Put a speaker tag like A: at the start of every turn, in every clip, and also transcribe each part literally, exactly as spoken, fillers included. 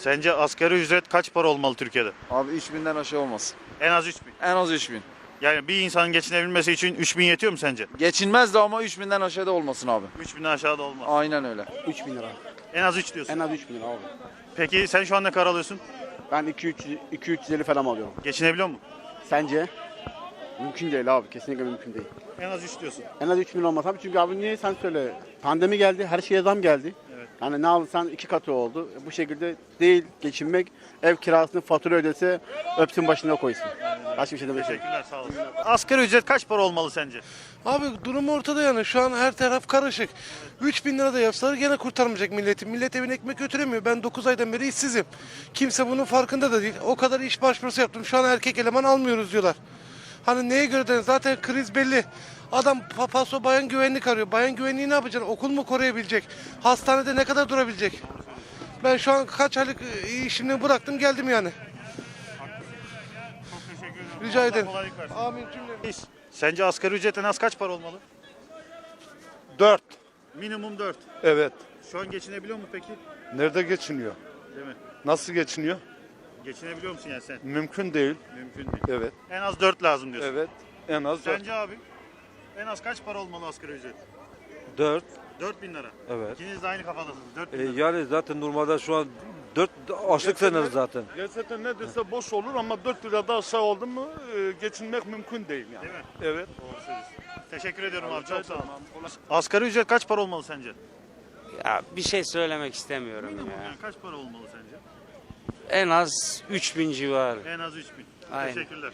A: Sence asgari ücret kaç para olmalı Türkiye'de?
B: Abi üç binden aşağı olmasın.
A: En az üç bin.
B: En az üç bin.
A: Yani bir insanın geçinebilmesi için üç bin yetiyor mu sence?
B: Geçinmez de ama üç binden aşağıda olmasın abi.
A: üç binden aşağıda olmaz.
B: Aynen öyle.
C: üç bin lira.
A: En az üç diyorsun.
C: En az üç bin lira abi.
A: Peki sen şu an ne kadar alıyorsun?
C: Ben iki üç iki üç yüz elli falan alıyorum.
A: Geçinebiliyor musun?
C: Sence? Mümkün değil abi. Kesinlikle mümkün değil.
A: En az üç diyorsun.
C: En az üç bin olmaz abi. Çünkü abi niye sen söyle. Pandemi geldi. Her şeye zam geldi.
A: Evet.
C: Yani ne alırsan iki katı oldu. Bu şekilde değil geçinmek. Ev kirasını fatura ödese öpsün başına koysun. Başka bir şey demek yok.
A: Teşekkürler, sağ olasın. Asgari ücret kaç para olmalı sence?
D: Abi durum ortada yani. Şu an her taraf karışık. üç bin lira da yapsalar gene kurtarmayacak milleti. Millet evine ekmek götüremiyor. Ben dokuz aydan beri işsizim. Kimse bunun farkında da değil. O kadar iş başvurusu yaptım. Şu an erkek eleman almıyoruz diyorlar. Hani neye göre de zaten kriz belli. Adam pa- paso bayan güvenlik arıyor. Bayan güvenliği ne yapacaksın? Okul mu koruyabilecek? Hastanede ne kadar durabilecek? Ben şu an kaç aylık e, işimi bıraktım geldim yani.
A: Çok teşekkür ederim.
D: Rica
A: Allah
D: ederim.
A: kolaylık versin.
D: Amin cümle.
A: Sence asgari ücret en az kaç para olmalı?
E: Dört.
A: Minimum dört.
E: Evet.
A: Şu an geçinebiliyor mu peki?
E: Nerede geçiniyor?
A: Değil mi?
E: Nasıl geçiniyor?
A: Geçinebiliyor musun yani sen?
E: Mümkün değil.
A: Mümkün değil.
E: Evet.
A: En az dört lazım diyorsun.
E: Evet. En az dört.
A: Sence abi? En az kaç para olmalı asgari ücret?
F: Dört.
A: dört bin lira.
F: Evet.
A: İkiniz de aynı kafadasınız. dört bin
F: E,
A: lira.
F: yani zaten normalde şu an dört açlık sınırı zaten.
E: Gerçekten neredeyse boş olur ama dört lirada aşağı oldu mu e, geçinmek mümkün değil yani.
A: Değil mi?
E: Evet.
A: Doğru söylüyorsun. Teşekkür ediyorum abi.
E: Rica
A: Çok sağ ol.
E: ederim abi.
A: Asgari ücret kaç para olmalı sence?
G: Ya bir şey söylemek istemiyorum
A: Minimum
G: ya.
A: yani kaç para olmalı sence?
G: En az üç bin civarı.
A: En az üç bin.
G: Aynen.
A: Teşekkürler.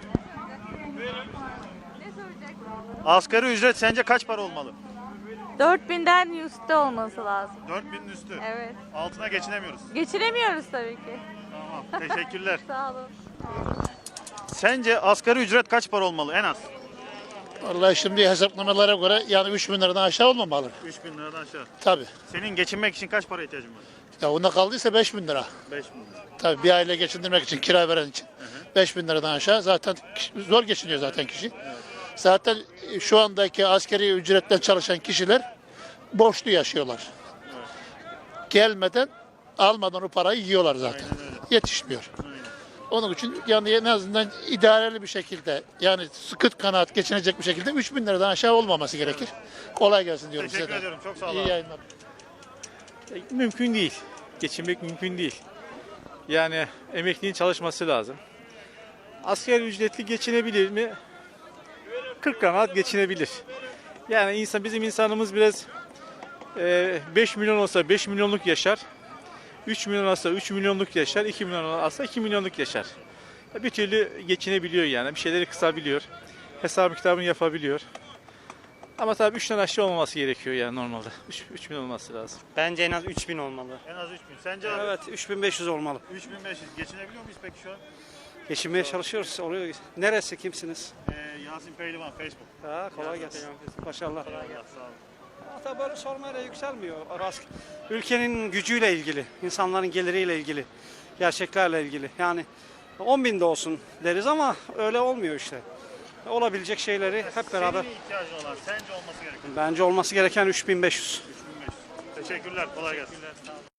A: Asgari ücret sence kaç para olmalı?
H: dört binden üstte olması lazım.
A: dört binin üstü.
H: Evet.
A: Altına geçinemiyoruz.
H: Geçiremiyoruz tabii ki.
A: Tamam. Teşekkürler.
H: Sağ olun.
A: Sence asgari ücret kaç para olmalı en az?
I: Vallahi şimdi hesaplamalara göre yani üç bin liradan aşağı olmamalı.
A: üç bin liradan aşağı.
I: Tabii.
A: Senin geçinmek için kaç para ihtiyacın var?
I: Ya onda kaldıysa beş bin lira.
A: beş bin lira.
I: Tabii bir aile geçindirmek için, kira veren için. beş bin liradan aşağı zaten kişi- zor geçiniyor zaten kişi. Zaten şu andaki askeri ücretten çalışan kişiler borçlu yaşıyorlar. Gelmeden almadan o parayı yiyorlar zaten. Yetişmiyor. Onun için yani en azından idareli bir şekilde yani sıkıt kanaat geçinecek bir şekilde üç bin liradan aşağı olmaması gerekir. Kolay gelsin diyorum
A: Teşekkür
I: size de.
A: ediyorum. Çok sağ ol
I: İyi
A: abi.
I: yayınlar.
J: Mümkün değil. Geçinmek mümkün değil. Yani emeklinin çalışması lazım. Asgari ücretli geçinebilir mi? kırk kanaat geçinebilir. Yani insan bizim insanımız biraz e, beş milyon olsa beş milyonluk yaşar. üç milyon olsa üç milyonluk yaşar. iki milyon olsa iki milyonluk yaşar. Bir türlü geçinebiliyor yani. Bir şeyleri kısabiliyor. Hesabı kitabını yapabiliyor. Ama tabii üçten aşağı olmaması gerekiyor yani normalde. üç bin olması lazım.
G: Bence en az üç bin olmalı.
A: En az üç bin. Sence abi?
G: Evet üç bin beş yüz olmalı.
A: üç bin beş yüz. Geçinebiliyor muyuz peki şu an?
G: Geçinmeye çalışıyoruz. Oluyor. Neresi kimsiniz?
A: Ee, Yasin Pehlivan Facebook.
G: Ha, kolay gelsin. Başarılar.
A: Allah sağ ol.
G: Tabii böyle sormayla yükselmiyor. Ülkenin gücüyle ilgili, insanların geliriyle ilgili, gerçeklerle ilgili. Yani on bin de olsun deriz ama öyle olmuyor işte. Olabilecek şeyleri hep beraber.
A: Senin ihtiyacın olan sence olması gereken.
G: Bence olması gereken üç bin beş yüz.
A: üç bin beş yüz. Teşekkürler. Kolay gelsin.